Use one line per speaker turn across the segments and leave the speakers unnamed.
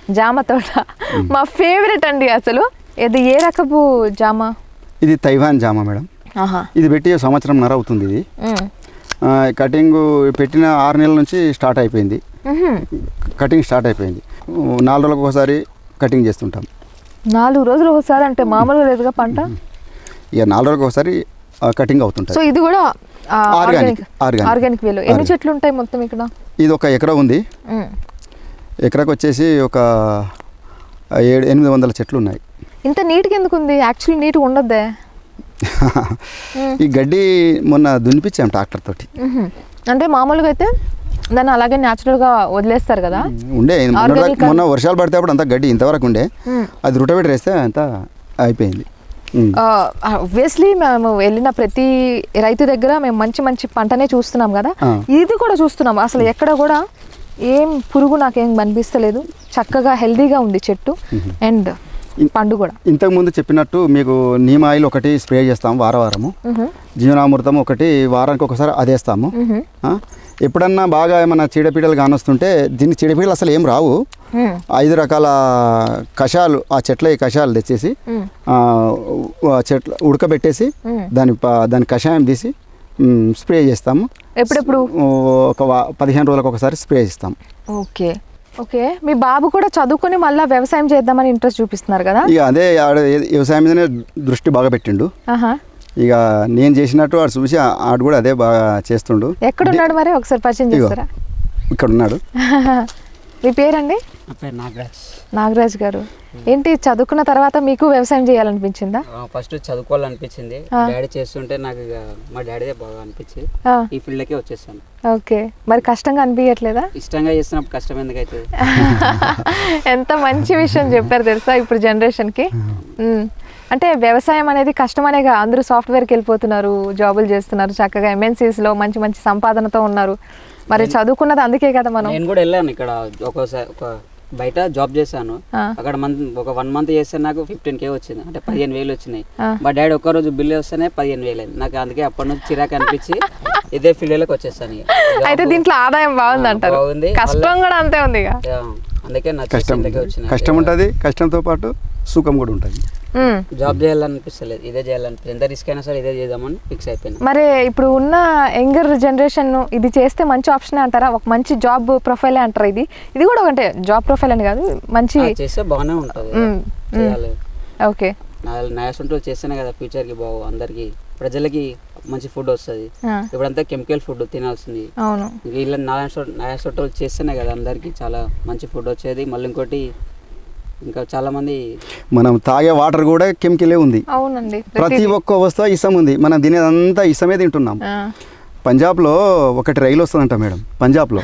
జామ తోట మా ఫేవరెట్ అండి అసలు. ఇది ఏ రకపు జామ?
ఇది తైవాన్ జామ మేడం. ఇది పెట్టి సంవత్సరంన్నర అవుతుంది. ఇది కటింగ్ పెట్టిన 6 నెలల నుంచి స్టార్ట్ అయిపోయింది. కటింగ్ స్టార్ట్ అయిపోయింది. 4 రోజులకు ఒకసారి కటింగ్ చేస్తుంటాం.
4 రోజులు ఒకసారి అంటే మామూలుగా లేదుగా పంట.
ఇక 4 రోజులకు ఒకసారి కటింగ్ అవుతుంటుంది.
సో ఇది కూడా ఆర్గానిక్ వేలో. ఎన్ని చెట్లు ఉంటాయి మొత్తం ఇక్కడ?
ఇది ఒక ఎకరా ఉంది. ఎకరాకు వచ్చేసి ఒక 700-800 చెట్లు ఉన్నాయి.
ఇంత నీట్గా ఎందుకు ఉంది? యాక్చువల్లీ నీట్గా ఉండొద్దే.
ఈ గడ్డి మొన్న దున్నిపించాం ట్రాక్టర్ తోటి.
అంటే మామూలుగా అయితే దాన్ని అలాగే న్యాచురల్గా వదిలేస్తారు కదా.
ఉండే మొన్న వర్షాలు పడితే అప్పుడు అంతా గడ్డి ఇంతవరకు ఉండే. అది రొటవేటర్ వేస్తే అంతా అయిపోయింది.
ఆబ్వియస్లీ మేము వెళ్ళిన ప్రతి రైతు దగ్గర మేము మంచి మంచి పంటనే చూస్తున్నాం కదా, ఇది కూడా చూస్తున్నాం. అసలు ఎక్కడ కూడా ఏం పురుగు నాకేం కనిపిస్తలేదు. చక్కగా హెల్దీగా ఉంది చెట్టు అండ్ పండు కూడా.
ఇంతకుముందు చెప్పినట్టు మీకు నీమ్ ఆయిల్ ఒకటి స్ప్రే చేస్తాము వారము. జీవనామృతం ఒకటి వారానికి ఒకసారి అదేస్తాము. ఎప్పుడన్నా బాగా ఏమన్నా చీడపీడలు కానొస్తుంటే దీన్ని చీడపీడలు అసలు ఏం రావు. 5 రకాల కషాయాలు, ఆ చెట్ల కషాయాలు తెచ్చేసి చెట్లు ఉడకబెట్టేసి దాని కషాయం తీసి స్ప్రే చేస్తాము.
ఎప్పుడెప్పుడు?
ఒక 15 రోజులకు ఒకసారి స్ప్రే చేస్తాం.
Okay okay. మీ బాబు కూడా చదువుకొని మళ్ళీ వ్యవసాయం చేద్దామని ఇంట్రెస్ట్ చూపిస్తున్నారు కదా?
ఇక అదే వ్యవసాయం మీదనే దృష్టి బాగా పెట్టిండు. ఇక నేను చేసినట్టు ఆడు చూసి ఆడు కూడా అదే బాగా చేస్తుండు.
ఎక్కడున్నాడు మరి? ఒకసారి పరిచయం చేస్తారా?
ఇక్కడ ఉన్నాడు.
మీ పేరండి? నాగరాజ్ గారు. ఏంటి చదువుకున్న తర్వాత మీకు వ్యవసాయం చేయాలనిపించిందా?
ఫస్ట్ చదువుకోవాలనిపించింది. డాడీ చేస్తుంటే నాకు మా డాడీదే బాగా అనిపించింది. ఈ ఫీల్డ్కే వచ్చేసాను.
ఓకే. మరి కష్టంగా అనిపించట్లేదా?
ఇష్టంగా చేస్తున్నప్పుడు కష్టం ఎందుకు అవుతుంది?
ఎంత మంచి విషయం చెప్పారు తెలుసా ఇప్పుడు జనరేషన్కి. అంటే వ్యవసాయం అనేది కష్టమనేగా అందరూ సాఫ్ట్వేర్కి వెళ్ళిపోతున్నారు, జాబులు చేస్తున్నారు, చక్కగా MNCsలో మంచి మంచి సంపాదనతో ఉన్నారు. మరి చదువుకున్నది అందుకే కదా.
నేను కూడా వెళ్ళాను ఇక్కడ ఒకసారి బయట జాబ్ చేశాను. అక్కడ ఒక 1 మంత్ చేస్తే నాకు 15K వచ్చింది, అంటే 15,000 వచ్చినాయి. మా డాడీ ఒక్కరోజు బిల్లు వస్తేనే 15,000 అయింది నాకు. అందుకే అప్పటి నుంచి చిరాకు అనిపించి ఇదే ఫీల్డ్లోకి వచ్చేసాను.
అయితే దీంట్లో ఆదాయం బాగుంది అంటారు. కష్టం కూడా అంతే ఉంది.
అందుకే నా
కష్టం ఉంటుంది, కష్టంతో పాటు సుఖం కూడా ఉంటుంది.
జాబ్ చేయాలనిపిస్తలేదు, ఇదే చేయాలనిపిస్తుంది. ఎంత రిస్క్ అయినా సరే ఇదే చేద్దామని ఫిక్స్ అయిపోయింది.
మరి ఇప్పుడు ఉన్న యంగర్ జనరేషన్ ఇది చేస్తే మంచి ఆప్షన్ అంటారా? ఒక మంచి జాబ్ ప్రొఫైలే అంటారా? ఇది కూడా అంటే జాబ్ ప్రొఫైల్ అని కాదు, మంచి
చేస్తే బాగానే ఉంటుంది.
ఓకే.
నాయసంటూ చేస్తేనే కదా ఫ్యూచర్కి బాగు, అందరికి ప్రజలకి మంచి ఫుడ్ వస్తుంది. ఇప్పుడంతా కెమికల్ ఫుడ్ తినాల్సింది. ఇలా నాయసంటూ చేస్తేనే కదా అందరికి చాలా మంచి ఫుడ్ వచ్చేది. మళ్ళీ ఇంకోటి ఇంకా చాలా మంది
మనం తాగే వాటర్ కూడా కెమికలే ఉంది.
అవునండి.
ప్రతి ఒక్క వస్తువు ఇసం ఉంది. మనం తినేదంతా ఇసమే తింటున్నాం. పంజాబ్లో ఒకటి రైలు వస్తుందంట మేడం. పంజాబ్లో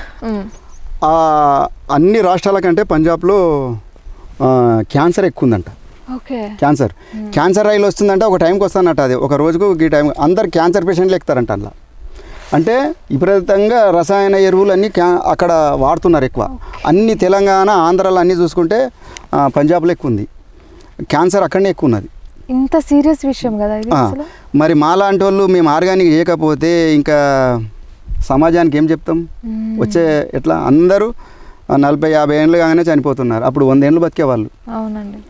అన్ని రాష్ట్రాల కంటే పంజాబ్లో క్యాన్సర్ ఎక్కువ ఉందంట. క్యాన్సర్ రైలు వస్తుందంటే ఒక టైంకి వస్తుందంట. అది ఒక రోజుకు ఈ టైం అందరు క్యాన్సర్ పేషెంట్లు ఎక్కుతారంట. అలా అంటే విపరీతంగా రసాయన ఎరువులు అన్నీ అక్కడ వాడుతున్నారు ఎక్కువ. అన్ని తెలంగాణ, ఆంధ్రాలో అన్నీ చూసుకుంటే పంజాబ్లో ఎక్కువ ఉంది. క్యాన్సర్ అక్కడనే ఎక్కువ ఉన్నది.
ఇంత సీరియస్ విషయం కదా ఇది.
మరి మాలాంటి వాళ్ళు మేము ఆర్గానిక్ చేయకపోతే ఇంకా సమాజానికి ఏం చెప్తాం? వచ్చే ఎట్లా అందరూ 40-50 ఏళ్ళు కాగానే చనిపోతున్నారు. అప్పుడు 100 ఏళ్ళు బతికే వాళ్ళు.
అవునండి.